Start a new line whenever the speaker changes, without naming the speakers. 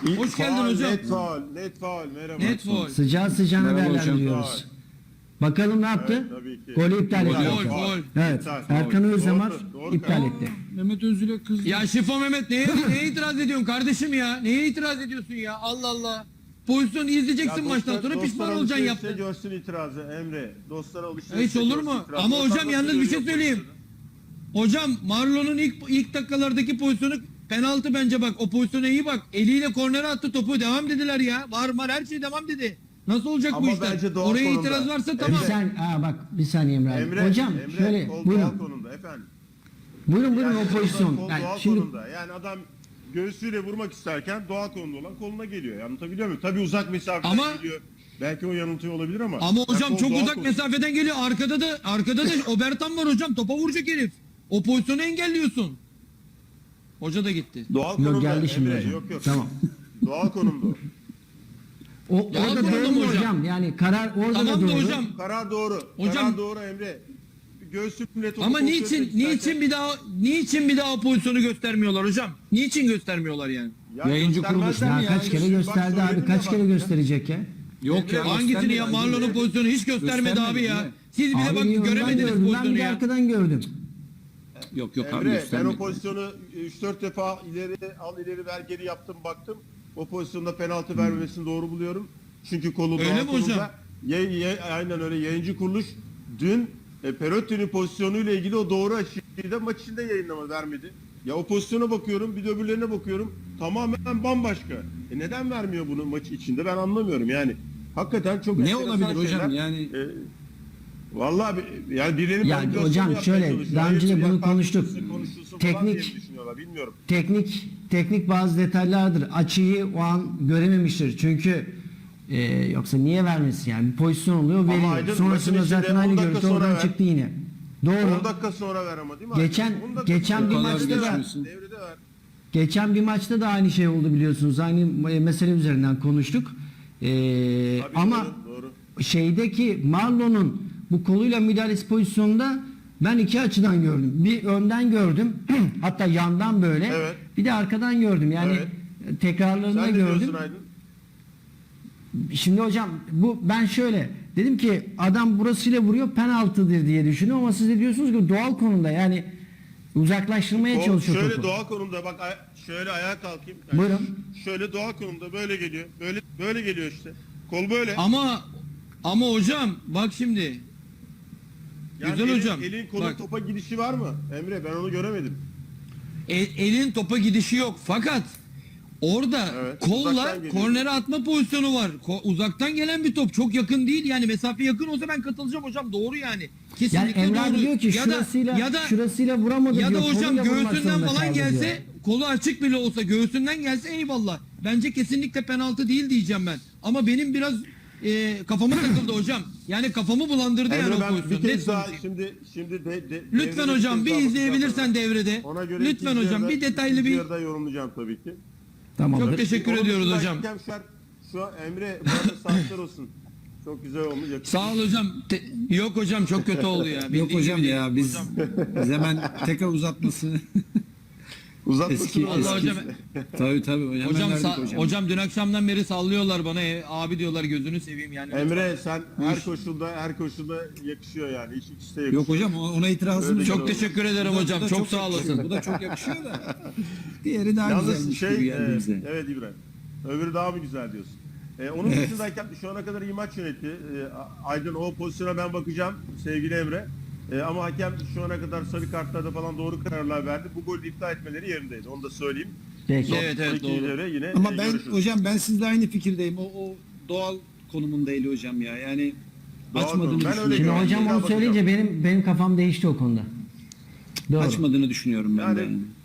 Hoş geldin hocam.
Net faul. Merhaba.
Net faul.
Sıcağı sıcağına
Merhaba hocam.
değerlendiriyoruz. Bakalım ne yaptı?
Evet, tabii ki.
Golü iptal etti.
Gol.
Evet.
İptal.
Erkan Özdemir
Doğru.
iptal etti.
Mehmet Özül'e kızdı.
Ya Şifo Mehmet neye itiraz ediyorsun kardeşim ya? Neye itiraz ediyorsun ya? Allah Allah. Pozisyonu izleyeceksin maçtan sonra pişman olacaksın yaptın.
Görsün itirazı Emre. Dostlara alışverişte
Hiç olur mu?
görsün itirazı.
Ama hocam
Dostlar
yalnız
nasıl
bir şey
görüyor
söyleyeyim. Hocam Marlon'un ilk dakikalardaki pozisyonu penaltı bence bak. O pozisyona iyi bak. Eliyle kornere attı topu. Devam dediler ya. Var her şey devam dedi. Nasıl olacak
Ama
bu işler?
bence doğal
Oraya
konumda.
itiraz varsa
Bir
tamam.
bir saniye Emre abi.
Emre,
Hocam
Emre,
şöyle
kol doğal
buyurun.
konumda efendim.
Buyurun
Yani
o pozisyon.
kol
Yani
doğal
şimdi
konumda. Yani adam göğsüyle vurmak isterken doğal konumda olan koluna geliyor. Anlatabiliyor muyum? Tabii uzak mesafeden
Ama-
geliyor. Belki o yanıltıyor olabilir ama.
Ama
Yani
hocam
kol
çok
doğal
uzak
konumda.
mesafeden geliyor. Arkada da Obertan var hocam. Topa vuracak herif. O pozisyonu engelliyorsun. Hoca da gitti.
Doğal konumda.
yok geldi şimdi
Emre,
hocam.
Yok.
Tamam.
Doğal konumda.
Ya
Orada
konumda
doğru mu
hocam?
hocam? Yani karar orada
Tamam
da
da
doğru.
hocam.
Karar doğru.
Hocam-
Karar doğru Emre. Göğsümle topu
Ama
kontrol etmek
niçin bir daha o pozisyonu göstermiyorlar hocam? Niçin göstermiyorlar yani?
Ya
Yayıncı kuruluş
göstermezler
Ya
mi
kaç kere
Bak
gösterdi abi?
söyledim
Kaç
ya,
kere
bak.
gösterecek ya?
Yok ya.
Hangisini ya
göstermedi.
Marlon'un pozisyonu hiç göstermedi abi ya.
değil mi?
Siz bile
Abi
bak
niye önden
göremediniz
gördüm, ben
pozisyonu
bir de
ya.
arkadan gördüm.
Yok abi
Emre ben
göstermedi.
o pozisyonu 3-4 defa ileri ver geri yaptım baktım. O pozisyonda penaltı vermemesini doğru buluyorum. Çünkü kolu
Öyle
doğal
mi
konumda.
hocam?
Aynen öyle yayıncı kuruluş dün Perotti'nin pozisyonuyla ilgili o doğru açıyı da maç içinde yayınlama vermedi. Ya o pozisyona bakıyorum bir de öbürlerine bakıyorum tamamen bambaşka. Neden vermiyor bunu maç içinde ben anlamıyorum yani. Hakikaten çok
Ne
enteresan
olabilir hocam?
şeyler.
Yani-
Vallahi yani birilerinin
Ya
manipülasyonu
hocam
yapmaya
şöyle,
çalışıyor.
daha önce de
Hayır,
bunu
ya,
konuştuk.
konuşulsun
Teknik-
falan diye düşünüyorlar bilmiyorum.
Teknik bazı detaylardır. Açıyı o an görememiştir. Çünkü yoksa niye vermesin yani? Bir pozisyon oluyor veriyor.
Aydın,
Sonrasında
maçın
zaten
içinde
aynı
10 dakika
görüntü
sonra
oradan
ver.
çıktı yine.
10
Doğru.
dakika sonra ver ama değil mi?
Geçen-
10 dakika
geçen
sonra
bir
ver.
maçta
Devrede
da-
ver. Devrede ver.
Geçen bir maçta da aynı şey oldu biliyorsunuz. Aynı mesele üzerinden konuştuk.
Tabii
Ama
doğru.
şeydeki Marlon'un bu koluyla müdahalesi pozisyonunda ben iki açıdan gördüm. Bir önden gördüm. Hatta yandan böyle.
Evet.
Bir de arkadan gördüm. Yani tekrarlarında
Sen ne
gördüm.
diyorsun Aydın?
Şimdi hocam ben şöyle dedim ki adam burasıyla vuruyor penaltıdır diye düşünüyorum ama siz de diyorsunuz ki doğal konumda yani uzaklaştırmaya çalışıyor
Şöyle
topu.
doğal konumda bak şöyle ayağa kalkayım.
Buyurun.
Şöyle doğal konumda böyle geliyor. Böyle geliyor işte. Kol böyle.
Ama hocam bak şimdi.
Yani
güzel hocam.
Elin kolun
Bak.
topa gidişi var mı? Emre ben onu göremedim.
Elin topa gidişi yok fakat orada
Evet,
kolla
uzaktan geliyor.
kornere atma pozisyonu var. Uzaktan gelen bir top çok yakın değil yani mesafe yakın olsa ben katılacağım hocam doğru yani.
Yani
Kesinlikle
Emre abi
doğru.
diyor ki şurasıyla vuramadı
ya
diyor.
da hocam
koluyla vurmak
göğsünden
zorunda
falan
kaldı
gelse
diyor.
kolu açık bile olsa göğsünden gelse eyvallah. Bence kesinlikle penaltı değil diyeceğim ben. Ama benim biraz kafama takıldı hocam. Yani kafamı bulandırdı yani
Emre
o
ben bir
pozisyon.
kez
Net
daha
konuşayım.
şimdi
Lütfen
devrede
hocam bir
kez daha
izleyebilirsen
bakacağım.
devrede.
Ona göre
Lütfen
ikinci
hocam
yarıda-
bir detaylı
ikinci
bir
yarıda yorumlayacağım tabii ki.
Tamamdır.
çok teşekkür
Onun
ediyoruz
dışında
hocam.
hakem şu an Emre bu arada saatler olsun. Çok güzel olmuş. yakışmış.
Sağ ol hocam. Yok hocam çok kötü oldu ya.
Yok
Bildiğin
hocam
gibi
ya
değil.
biz
Hocam,
hemen tekrar uzatmasını.
Uzatmasın
Eski-
oğlum.
Allah hocam.
tabii hemen
Hocam,
verdik hocam.
hocam dün akşamdan beri sallıyorlar bana. Abi diyorlar gözünü seveyim yani.
Emre sen her koşulda yakışıyor yani. Hiç ikisi de yakışıyor.
Yok hocam ona itirazım
Öyle
yok.
Çok teşekkür ederim
Bu da-
hocam.
bu da
Çok sağ
yakışıyor.
olasın.
Bu da çok yakışıyor da. Diğeri daha
Yalnız
güzelmiş gibi geldi bize.
evet İbrahim. Öbürü daha mı güzel diyorsun? Onun
Evet.
dışındayken şu ana kadar iyi maç yönetti. Aydın o pozisyona ben bakacağım sevgili Emre. Ama hakem şu ana kadar sarı kartlarda falan doğru kararlar verdi. Bu golü iptal etmeleri yerindeydi. Onu da söyleyeyim.
Peki.
Evet,
İkinci
doğru.
devre yine
Ama ben
görüşürüz.
hocam ben sizle aynı fikirdeyim. O doğal konumunda eli hocam ya. Yani
Doğal
açmadığını
konum. Ben öyle
düşünüyorum.
Şimdi
görüyorum.
hocam onu
Bakacağım.
söyleyince benim kafam değişti o konuda. Doğru.
Açmadığını düşünüyorum ben de.
Yani
Yani.